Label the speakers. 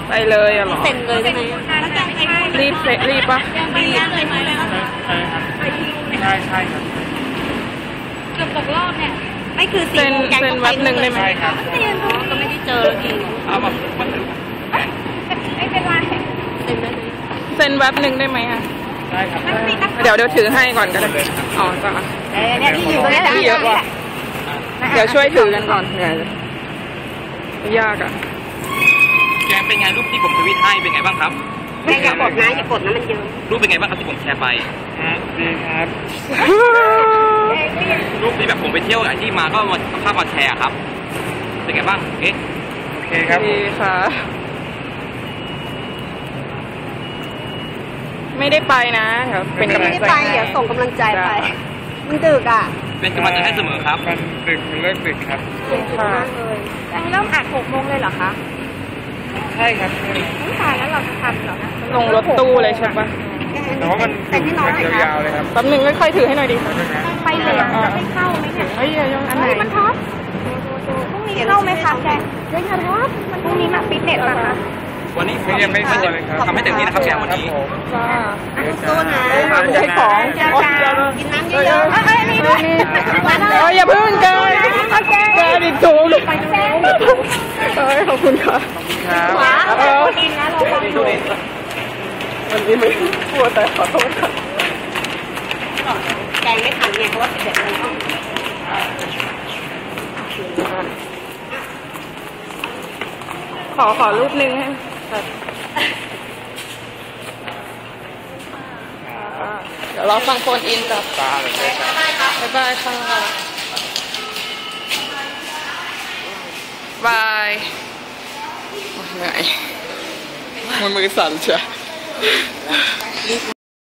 Speaker 1: ไปเลยอะหรอ
Speaker 2: เซ็นเลยได้ไหม
Speaker 1: รีบรีบปะ
Speaker 2: รีบ
Speaker 3: ใช่ครับใช่ครับ
Speaker 2: เกือบตกรอบเนี่ยไม่คือ
Speaker 1: เซ็นวัดหนึ่งได้ไหม
Speaker 3: ครับ
Speaker 2: ก็ไม่ได้เจอที
Speaker 3: เอาแบบ
Speaker 2: ไม่เป็นไร
Speaker 1: เซ็นแว็บหนึ่งได้ไหมอะ
Speaker 3: ได้ครับ
Speaker 1: เดี๋ยวถือให้ก่อนก็ได้อ๋อจ้ะ
Speaker 2: เนี่ยที่อยู่ได้
Speaker 1: ที่เยอะว่ะเดี๋ยวช่วยถือกันก่อนเหนื่อยยากอะ
Speaker 3: แกเป็นไงรูปที่ผมทวิตให้เป็นไงบ้างครับ
Speaker 2: อย่ากดนะอย่ากดนะมันเยอะ
Speaker 3: รูปเป็นไงบ้างครับที่ผมแชร์ไปดีครับรูปที่แบบผมไปเที่ยวที่มาก็มาภาพมาแชร์ครับเป็นไงบ้างโอเคครับ
Speaker 1: ดีค่ะไม่ได้ไปนะเดี๋ยวเป็นกำลังใจ
Speaker 2: เดี๋ยวส่งกำลังใจไปมันดึกอ่ะ
Speaker 3: เป็นกำลังใจให้เสมอครับมันดึกมันเลิกดึกครับ
Speaker 2: ค่ะเลยเริ่มอัด6 โมงเลยเหรอคะ
Speaker 3: ใช่ครับ
Speaker 2: ไม่ตายแล้วเราจะทันเหรอ
Speaker 1: ลงรถตู้เลยใช่ปะ
Speaker 3: แต่ว่ามันยาวๆเลยครับ
Speaker 1: แป๊บนึงค่อยๆถือให้หน่อยดิ
Speaker 2: ไปเลยจะไม่เข้าไหมเนี่ย
Speaker 1: เฮ้ยยังอันไหน
Speaker 2: มันท็อปพรุ่งนี้เข้าไหมคะแกเฮ้ยท็อปพรุ่งนี้มาฟิตเนสป่ะคะ
Speaker 3: วันนี้ยังไม่เข้าเลยครับทำให้เต็มที่นะครับแกวันนี้
Speaker 2: สู้นะ
Speaker 1: ไม่ใช่ของ
Speaker 2: กินน้ำเยอะๆนี่ด้วย
Speaker 1: อย่าเพิ่งเกินอีกถุงขอบคุณค่ะ
Speaker 2: กินนะเราฟังดู
Speaker 1: วันนี้ไม่กลัวแต่ขอโทษค่ะ
Speaker 2: แกงไม่ทันไงเพราะว่า11 โมง
Speaker 1: ขอรูปนึงให้เดี๋ยวเราฟังโฟนอินกับบ๊ายบายค่ะบายเหนื่อยมือสั่นเชียว